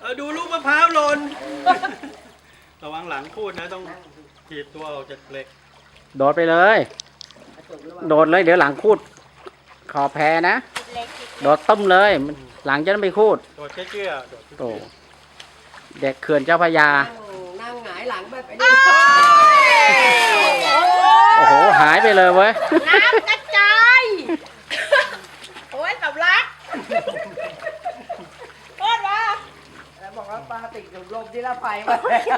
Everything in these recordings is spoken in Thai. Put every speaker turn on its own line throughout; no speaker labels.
ดูลูกมะพร้าวหล่นระวังหลังพูดนะต้องถีบตัวออกจากเหล็ก
โดดไปเลย โดดเลยเดี๋ยวหลังคูดขอแพ้นะโดดต้มเลยหลังจะต้องไปคูด
โดดเชื่อ
โอ้เด็กเขื่อนเจ้าพระยา
นั่งหงายหลังไปดิ
โอ้โหหายไปเลยเว้ย
น้ำกระจายโอ้ยกับรักโคตรว่าแล้วบอกว่าปลาติดอยู่ลมที่ละไฟมาแล้ว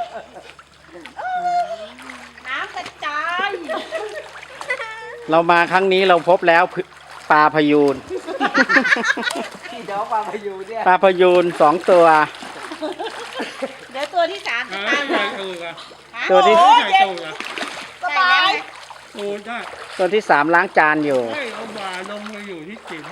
น้ำกระจาย
เรามาครั้งนี้เราพบแล้วปลาพยูน
เดี๋ยวปลาพยูนเนี่ย
ปลาพยูน2 ตัว
เดี๋ยวตัวที่3จะตามมา
ตัวที่
สบาย
โอ้ได้
ตัวที่3ล้างจานอยู่
ให้เอาบ่าลงมาอยู่ที่จิ๋ม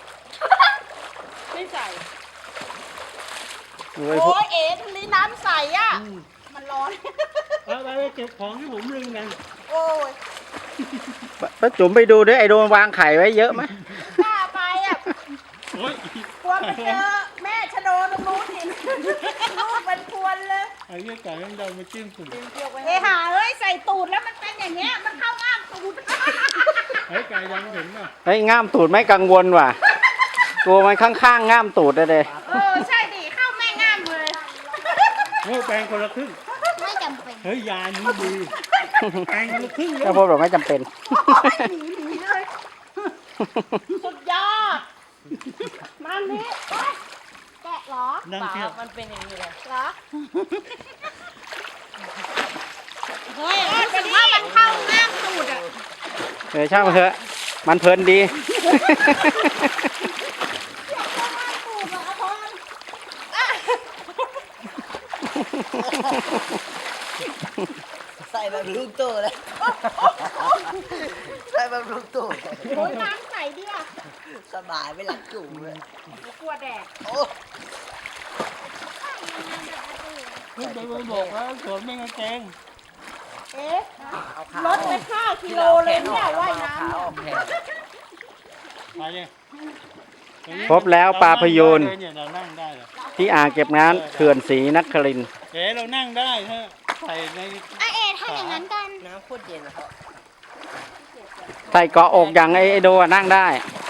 ไม่ใส่
โอ้
ยเอ๋ทะเลน้ำใสอ่ะมันร้อน
ไปเก็บของที่ผมลืมกัน
โอ้ย
ป้าจุ๋มไปดูด้วยไอ้โดนวางไข่ไว้เยอะไหม
กล้าไปอ่ะกลัวไปเจอแม่ชะโดตรงนู้นเห็นลูกเป็นพวนเลย
ไอ้เหี้ยไก่มันเดามาจิ้มสุด
เฮ้ยหาเอ้ยใส่ตูดแล้วมันเป็นอย่างเงี้ยมันเข้าง่ามตูด
ไอ้ไก่ยังเห็นป่ะ
ไอ้ง่ามตูดไม่กังวลว่ะกลัวมันข้างๆง่ามตูดเลย
ใช่ดิเข้าแม่ง่ามเลย
โอ้แปลงคนละครึ่ง
ไม่จำเป็น
เฮ้ยยานี้ดีแปลงคนละครึ่ง
ถ้าพบเราไม่จำเป็น
หนีเลยสุดยอดมันนี่แกะเหรอ
เปล่า
มันเป็นอย่างนี้เลยเหรอเฮ้ยถึงว่ามันเข้าง่ามตูดอ่ะ
ช่างมันเถอะมันเพลินดี
ใส่แบบลูกโตเลยใส่แบบลูกโตโอ้ยน้ำใส่ดิอ่ะสบายไม่หลับจุ่มเลยกลัวแดดโอ้
คุณไปบอกแล้วสวนไม่กระเจง
รถไป5 กิโลเลยเนี่ยว่ายน้
ำพบแล้วปลาพยูนที่อ่างเก็บน้ำเขื่อนศรีนครินทร์
เรานั่งได้ฮะใส่ใน
ถ้าอย่างนั้นกันน้ำโคตรเย็นนะครับ
ใส่เกาะอกอย่างไอ้โดนั่งได้